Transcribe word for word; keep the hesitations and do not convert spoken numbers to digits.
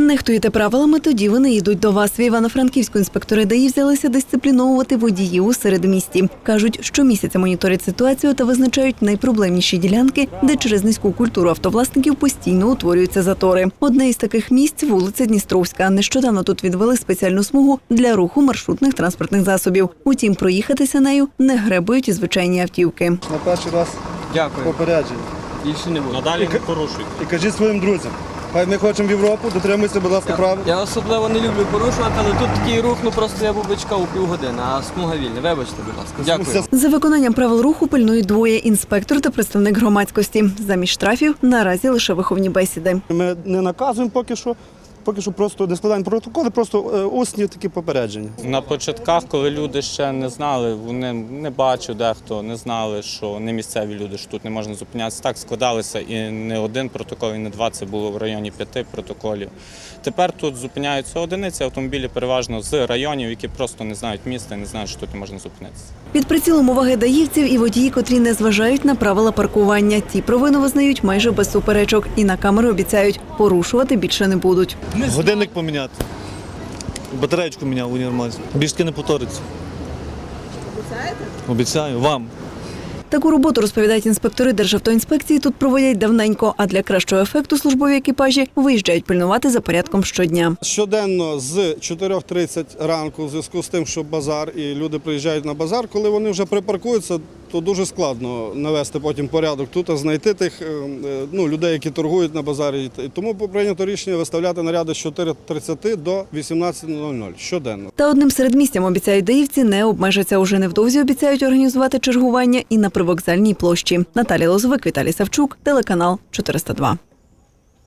Нехтуєте правилами, тоді вони йдуть до вас. В Івано-Франківську інспектори ДАІ взялися дисципліновувати водіїв у середмісті. Кажуть, щомісяця моніторять ситуацію та визначають найпроблемніші ділянки, де через низьку культуру автовласників постійно утворюються затори. Одне із таких місць – вулиця Дністровська. Нещодавно тут відвели спеціальну смугу для руху маршрутних транспортних засобів. Утім, проїхатися нею не гребують і звичайні автівки. На перший раз Дякую. попередження. Більше не буду. Надалі не порушуйте. І кажіть своїм друзям, хай ми хочемо в Європу, дотримуйся, будь ласка, правил. Я особливо не люблю порушувати, але тут такий рух, ну просто я був би чекав у півгодини, а смуга вільна. Вибачте, будь ласка. Дякую. За виконанням правил руху пильнують двоє – інспектор та представник громадськості. Замість штрафів наразі лише виховні бесіди. Ми не наказуємо поки що, поки що просто не складаємо протоколи, просто усні такі попередження. На початках, коли люди ще не знали, вони не бачив дехто, не знали, що не місцеві люди, що тут не можна зупинятися. Так складалися і не один протокол, і не два, це було в районі п'яти протоколів. Тепер тут зупиняються одиниці автомобілі переважно з районів, які просто не знають міста і не знають, що тут не можна зупинитися. Під прицілом уваги даївців і водії, котрі не зважають на правила паркування. Ті провину визнають майже без суперечок і на камеру обіцяють – порушувати більше не будуть. Годинник поміняти. Батареєчку міняв у універмазі. Більше таки не повториться. Обіцяєте? Обіцяю. Вам. Таку роботу, розповідають інспектори Державтоінспекції, тут проводять давненько, а для кращого ефекту службові екіпажі виїжджають пильнувати за порядком щодня. Щоденно з чотирьох тридцять ранку, в зв'язку з тим, що базар і люди приїжджають на базар, коли вони вже припаркуються, то дуже складно навести потім порядок тут, а знайти тих ну, людей, які торгують на базарі. І тому прийнято рішення виставляти наряди з чотирьох тридцяти до вісімнадцяти нуль нуль щоденно. Та одним середмістям, обіцяють даївці, не обмежаться. Уже невдовзі обіцяють організувати чергування і на привокзальній площі. Наталія Лозовик, Віталій Савчук, телеканал чотириста два.